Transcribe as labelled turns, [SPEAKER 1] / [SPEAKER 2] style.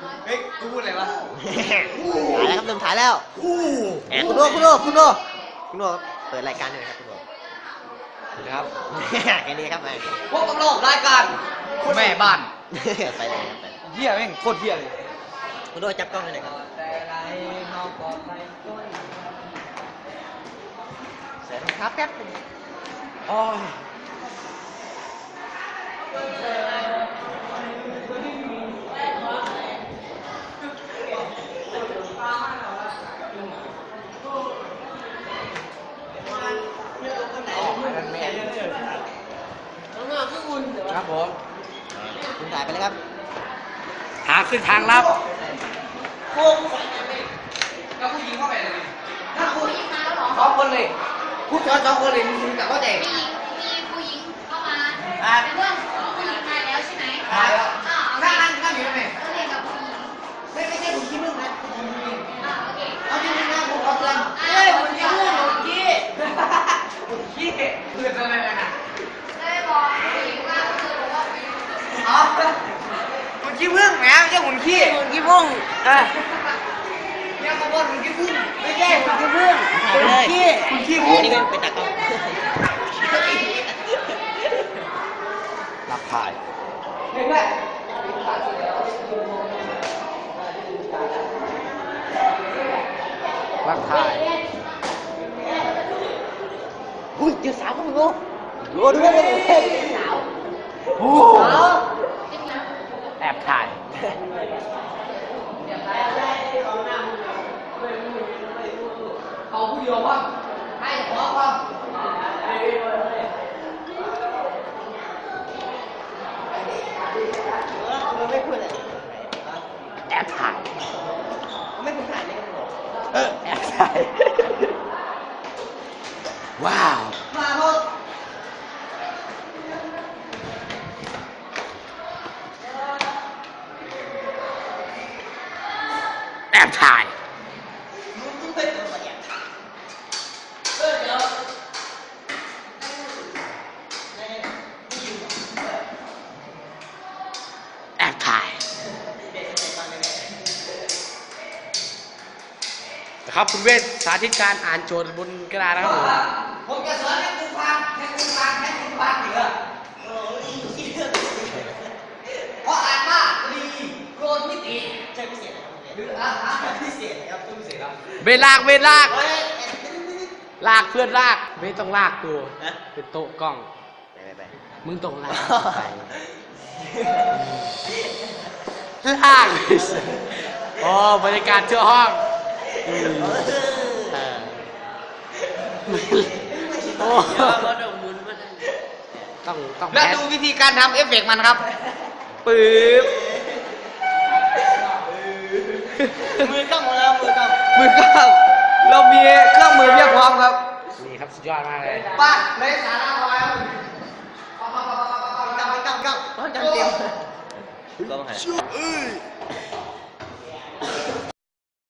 [SPEAKER 1] เฮ้ยกูพูดอะไรวะ
[SPEAKER 2] ถ่ายแล้วครับเริ่มถ่ายแล้วคุณโน่เปิดรายการหน่อยครับคุณโน่
[SPEAKER 1] นะครับ
[SPEAKER 2] แค่นี้ครับ
[SPEAKER 1] พวกกำลังรายการแม่บ้าน
[SPEAKER 2] ไปเลยครับไป
[SPEAKER 1] เหี้ยแม่งโคตรเหี้ยเลย
[SPEAKER 2] คุณโน่จับกล้องให้หน่อยครับเสร็จครับแป๊บนึง
[SPEAKER 1] อ๋อครับผม
[SPEAKER 2] คุณถ่ายไปเลยครับ
[SPEAKER 1] หาขึ้นทางลับ
[SPEAKER 3] แล้วผู้หญิงเข้าไปเลยถ้าผู้หญิงมาแล้วเหรอ
[SPEAKER 1] สองคนเลยผู้ชายสองคนเลยมึงจะเข้าใจ
[SPEAKER 3] มีผู้หญิงเข้ามาเป็นเพื่อนผู้หญิงมาแล้วใช่ไหม
[SPEAKER 1] ตายแล้ว
[SPEAKER 3] อ่า
[SPEAKER 1] นั่งอยู่ทำไม
[SPEAKER 3] ก็เรียนกับผู้หญิง
[SPEAKER 1] ไม่ใช่ผมคิดมึงนะ
[SPEAKER 3] โอเค
[SPEAKER 1] เอาที่มึงนะผมขอเตือน
[SPEAKER 3] เฮ้ยผมจะพูดหนู
[SPEAKER 1] ผมขี้เตือนอะไรนะ
[SPEAKER 3] ได้บอกผู้หญิงว่าคือบอกว่าผู้หญิง
[SPEAKER 1] อ๋อคุณขี้พึ่งแหมไม่ใช่หุ่นขี้หุ่นขี้พึ่งเนี่ยเขาบอกหุ่นขี้พึ่งไม่ใช่หุ่นขี้พึ่ง
[SPEAKER 2] ถ่ายไปเลย
[SPEAKER 1] คุณขี้
[SPEAKER 2] อั
[SPEAKER 1] พึ่
[SPEAKER 2] น
[SPEAKER 1] ง
[SPEAKER 2] นี้เป็นตากล้อง
[SPEAKER 1] รับถ่ายเห็นไหมรับถ่าย
[SPEAKER 2] อุ้ยเจอสาวครับคุณโน่โน่ด้วย
[SPEAKER 1] โอ้แอบถ่าย เขาผู้เดียวว่าให้ขอความ
[SPEAKER 2] มันไม่พูดอะไร
[SPEAKER 1] แอบถ่าย
[SPEAKER 2] ไม่พูดถ่ายเลยครับ
[SPEAKER 1] แอบถ่าย ว้าว
[SPEAKER 2] มาพบ
[SPEAKER 1] แอบถ่าย แอบถ่ายนะครับคุณเวทสาธิตการอ่านโจทย์บนกระดาษนะครับผมจะสอนให้คุณฟังเหรอเพราะอ่านว่าลีโกนมิติ
[SPEAKER 2] ใช่พิเศษนะครับ
[SPEAKER 1] หรืออ่าน
[SPEAKER 2] พิเศษครับพิเศษครับ
[SPEAKER 1] เวลาก
[SPEAKER 2] เฮ้ย
[SPEAKER 1] ลากเพื่อนลากไม่ต้องลากกู
[SPEAKER 2] ฮะ
[SPEAKER 1] เป็นโต๊ะกล้อง
[SPEAKER 2] ไป
[SPEAKER 1] มึงต้องลากไปลากโอ้บรรยากาศทั่วห้องโอ้ต้อง
[SPEAKER 2] แล้วดูวิธีการทำเอฟเฟกต์มันครับปื๊บมือกล้องของเรามือกล้อง
[SPEAKER 1] มือกล้องเรามีเครื่องมือเพียบพร้อมครับนี่ครับสุดยอดมากเลย
[SPEAKER 2] ป้าเลยสาระพอแล้วกล้องเตรียมกล้องหัน